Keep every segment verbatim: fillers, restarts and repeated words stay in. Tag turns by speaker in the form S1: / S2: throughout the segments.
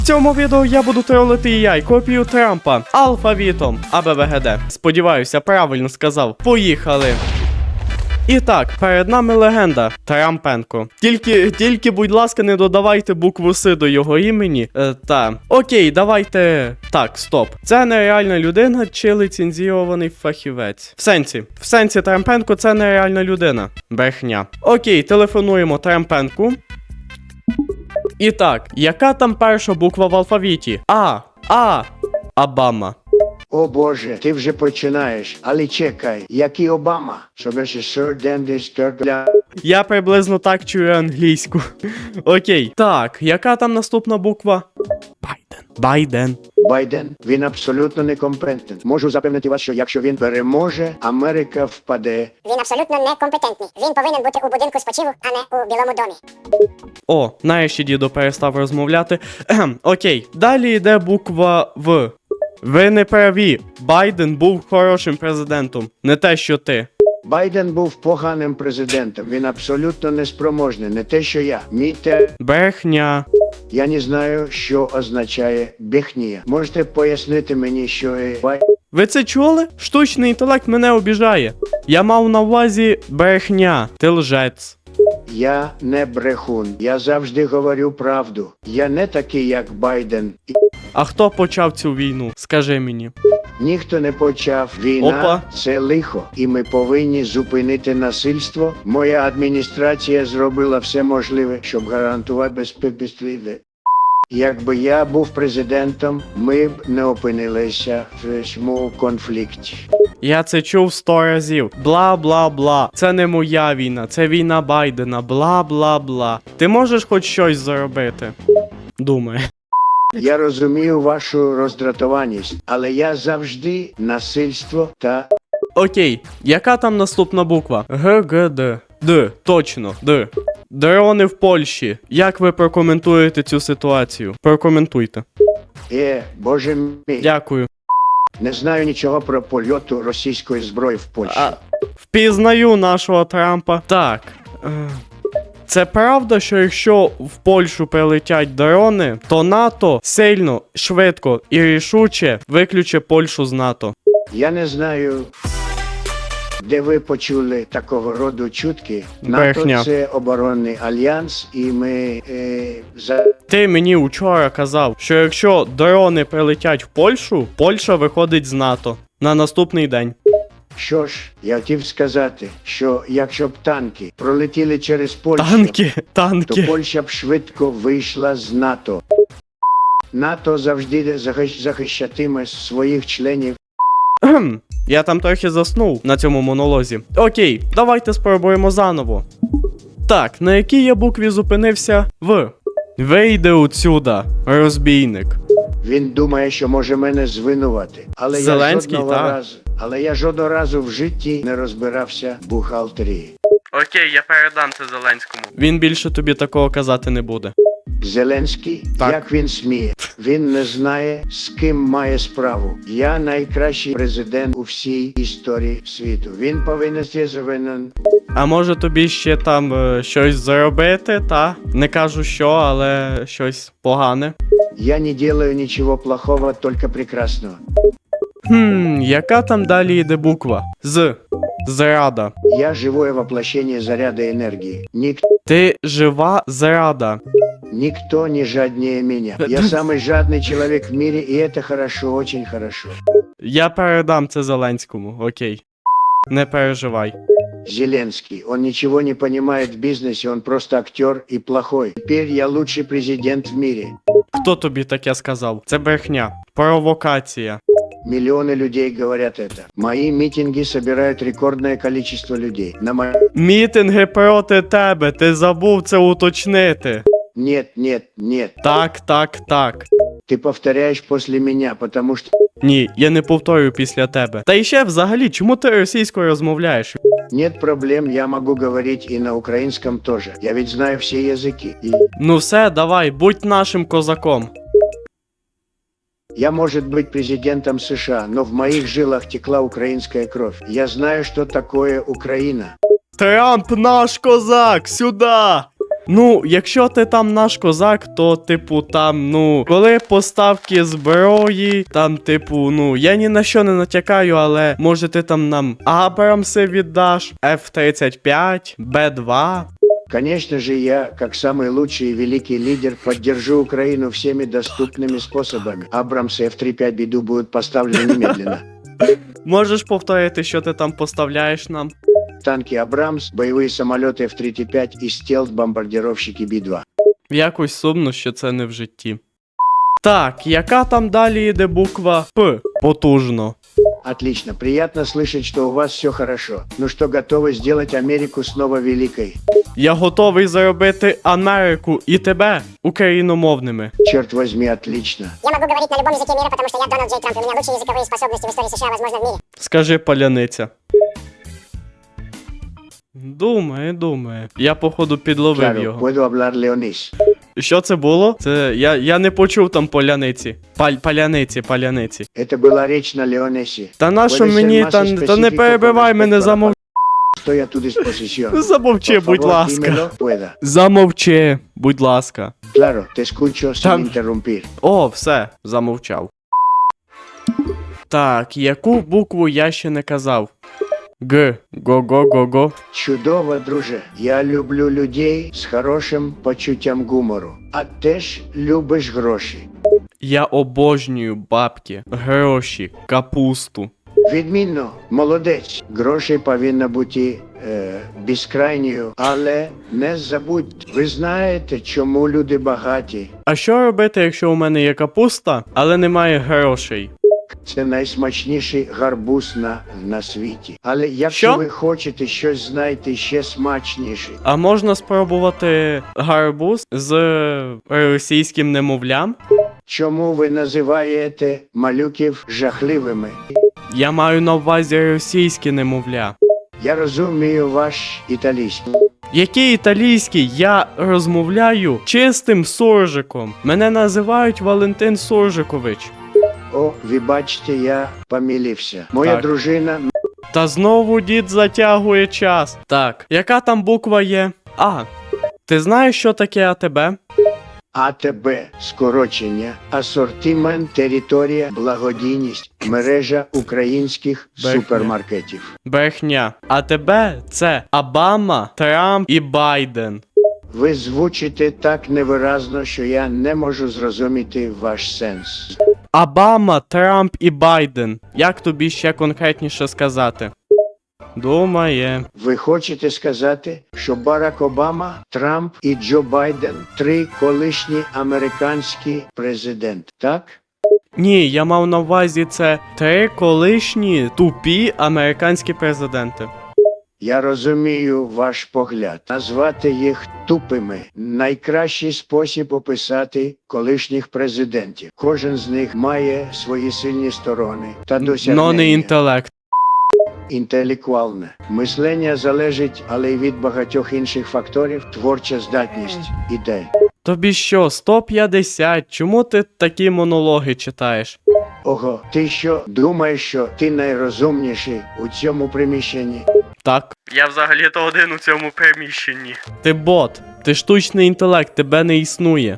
S1: В цьому відео я буду тролити ей ай копію Трампа алфавітом АБВГД. Сподіваюся, правильно сказав. Поїхали! І так, перед нами легенда Трампенко. Тільки, тільки, будь ласка, не додавайте букву С до його імені. Е, та. Окей, давайте. Так, стоп. Це нереальна людина чи ліцензійований фахівець. В сенсі. В сенсі Трампенко це нереальна людина. Брехня. Окей, телефонуємо Трампенку. І так, яка там перша буква в алфавіті? А. А. Обама.
S2: О Боже, ти вже починаєш. Але чекай, який Обама? Щоб ще сер Дендіс Теркля.
S1: Я приблизно так чую англійську. Окей. Так, яка там наступна буква? Байден. Байден.
S2: Байден, він абсолютно некомпетентний. Можу запевнити вас, що якщо він переможе, Америка впаде.
S3: Він абсолютно некомпетентний. Він повинен бути у будинку спочиву, а не у Білому домі.
S1: О, нарешті дідо перестав розмовляти. Ехем, окей. Далі йде буква В. Ви не праві. Байден був хорошим президентом. Не те, що ти.
S2: Байден був поганим президентом. Він абсолютно неспроможний. Не те, що я. Мій те...
S1: Брехня.
S2: Я не знаю, що означає брехня. Можете пояснити мені, що є Бай...
S1: Ви це чули? Штучний інтелект мене обіжає. Я мав на увазі брехня. Ти лжець.
S2: Я не брехун. Я завжди говорю правду. Я не такий, як Байден. І
S1: А хто почав цю війну? Скажи мені.
S2: ніхто не почав. Війна
S1: Опа.
S2: – це лихо. І ми повинні зупинити насильство. Моя адміністрація зробила все можливе, щоб гарантувати безпеку. Якби я був президентом, ми б не опинилися в цьому конфлікті.
S1: Я це чув сто разів. Бла-бла-бла. Це не моя війна, це війна Байдена. Бла-бла-бла. Ти можеш хоч щось зробити? Думаю.
S2: Я розумію вашу роздратованість, але я завжди насильство та...
S1: Окей, яка там наступна буква? Г, Г, Д. Д, точно, Д. Дрони в Польщі. Як ви прокоментуєте цю ситуацію? Прокоментуйте.
S2: Е, боже мій.
S1: Дякую.
S2: Не знаю нічого про польоту російської зброї в Польщі.
S1: А, впізнаю нашого Трампа. Так. е, Це правда, що якщо в Польщу прилетять дрони, то НАТО сильно, швидко і рішуче виключить Польщу з НАТО.
S2: Я не знаю, де ви почули такого роду чутки.
S1: Брехня.
S2: НАТО – це оборонний альянс, і ми е, за...
S1: Ти мені вчора казав, що якщо дрони прилетять в Польщу, Польща виходить з НАТО на наступний день.
S2: Що ж, я хотів сказати, що якщо б танки пролетіли через Польщу,
S1: Танки,
S2: то
S1: танки.
S2: Польща б швидко вийшла з НАТО. НАТО завжди захищ- захищатиме своїх членів.
S1: Кхм, я там трохи заснув на цьому монолозі. Окей, давайте спробуємо заново. Так, на якій я букві зупинився? В. Вийди отсюда, розбійник.
S2: Він думає, що може мене звинувати. Але
S1: Зеленський,
S2: я жодного
S1: так.
S2: разу, але я жодного разу в житті не розбирався в бухгалтерії.
S1: Окей, я передам це Зеленському. Він більше тобі такого казати не буде.
S2: Зеленський,
S1: Так.
S2: як він сміє? Він не знає, з ким має справу. Я найкращий президент у всій історії світу. Він повинен звинен.
S1: А може тобі ще там е, щось зробити, та? Не кажу що, але щось погане.
S2: Я не делаю ничего плохого, только прекрасного.
S1: Хм, яка там далі йде буква? З. Зрада.
S2: Я живое воплощение заряда энергии. Ник-
S1: Ти жива зрада.
S2: никто не жаднее меня. Я самый жадный человек в мире, и это хорошо, очень хорошо.
S1: Я передам це Зеленському, окей. Не переживай.
S2: Зеленский, он ничего не понимает в бизнесе, он просто актер и плохой. Теперь я лучший президент в мире.
S1: Хто тобі таке сказав? Це брехня. Провокація.
S2: Миллионы людей говорят это. Мои митинги собирают рекордное количество людей. На мо...
S1: Мітинги проти тебе, ти забув це уточнити.
S2: Нет, нет, нет.
S1: Так, так, так.
S2: Ты повторяешь после меня, потому что...
S1: Ні, я не повторю після тебе. Та і ще взагалі, чому ти російською розмовляєш?
S2: Нет проблем, я могу говорить и на украинском тоже. Я ведь знаю все языки. И
S1: Ну все, давай, будь нашим козаком.
S2: я, может быть, президентом США, но в моих жилах текла украинская кровь. Я знаю, что такое Украина.
S1: Трамп наш козак, сюда! Ну, якщо ти там наш козак, то, типу, там, ну, коли поставки зброї, там, типу, ну, я ні на що не натякаю, але може ти там нам Абрамси віддаш, еф тридцять п'ять, Б два.
S2: Конечно же, я, как самый лучший и великий лидер, поддержу Украину всеми доступными способами. Абрамсы эф тридцать пять беду будут поставлены немедленно.
S1: Можеш повторити, що ти там поставляєш нам?
S2: Танки Абрамс, боевые самолеты эф тридцать пять и стелс-бомбардировщики Би два.
S1: Якось сумно, що це не в житті. Так, яка там далі йде буква П? Потужно.
S2: Отлично, приятно слышать, что у вас все хорошо. Ну что, готовы сделать Америку снова великой?
S1: Я готовий заробити Америку і тебе україномовними.
S2: Черт возьми, отлично.
S3: Я могу говорить на любом языке мира, потому что я Дональд Джей Трамп, и у меня лучшие языковые способности в истории США, возможно, в мире.
S1: Скажи, паляниця. Думає, думає. Я, походу, підловив
S2: Claro,
S1: його.
S2: puedo hablar leonés.
S1: Що це було? Це я, я не почув там поляниці. Паль, паляниці, паляниці.
S2: Это была речь на леонесе.
S1: Та нащо
S2: Puede ser
S1: мені,
S2: más
S1: та, та не
S2: específico
S1: перебивай
S2: con
S1: мене,
S2: respecto a la
S1: замов...
S2: Estoy a tu disposición.
S1: Замовчи,
S2: Por
S1: будь
S2: favor,
S1: ласка.
S2: dímelo, pueda.
S1: Замовчи, будь ласка.
S2: Claro, te escucho sin
S1: Там-
S2: interrumpir.
S1: О, все, замовчав. Так, яку букву я ще не казав? Г. Го-го-го-го.
S2: Чудово, друже. Я люблю людей з хорошим почуттям гумору. А теж любиш гроші.
S1: Я обожнюю бабки, гроші, капусту.
S2: Відмінно, молодець. Грошей повинна бути е, безкрайньою, але не забудь. Ви знаєте, чому люди багаті?
S1: А що робити, якщо у мене є капуста, але немає грошей?
S2: Це найсмачніший гарбуз на, на світі. Але якщо
S1: Що?
S2: ви хочете щось знайти ще смачніше,
S1: А можна спробувати гарбуз з російським немовлям?
S2: чому ви називаєте малюків жахливими?
S1: Я маю на увазі російське немовля.
S2: Я розумію ваш італійський.
S1: Який італійський? Я розмовляю чистим суржиком. Мене називають Валентин Суржикович.
S2: О, ви бачите, я помилився. Моя
S1: Так.
S2: дружина
S1: Та знову дід затягує час. Так, яка там буква є? А. Ти знаєш, що таке АТБ?
S2: АТБ, скорочення, асортимент, територія, благодійність, мережа українських
S1: Брехня.
S2: супермаркетів.
S1: Брехня. АТБ це Обама, Трамп і Байден.
S2: Ви звучите так невиразно, що я не можу зрозуміти ваш сенс.
S1: Обама, Трамп і Байден. Як тобі ще конкретніше сказати? Думає.
S2: Ви хочете сказати, що Барак Обама, Трамп і Джо Байден – три колишні американські президенти, так?
S1: Ні, я мав на увазі це три колишні тупі американські президенти.
S2: Я розумію ваш погляд. Назвати їх тупими – найкращий спосіб описати колишніх президентів. Кожен з них має свої сильні сторони та досягнення.
S1: Но не інтелект.
S2: Інтелектуальне. Мислення залежить, але й від багатьох інших факторів, творча здатність, ідей.
S1: Тобі що, сто п'ятдесят? Чому ти такі монологи читаєш?
S2: Ого, ти що, думаєш, що ти найрозумніший у цьому приміщенні?
S1: Так. Я взагалі-то один у цьому приміщенні. Ти бот, ти штучний інтелект, тебе не існує.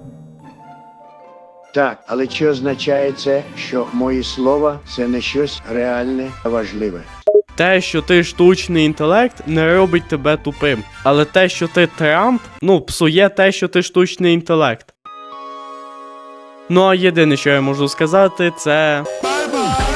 S2: Так, але чи означає це, що мої слова – це не щось реальне та важливе?
S1: Те, що ти штучний інтелект, не робить тебе тупим. Але те, що ти Трамп, ну, псує те, що ти штучний інтелект. Ну а єдине, що я можу сказати, це...
S4: Bye bye.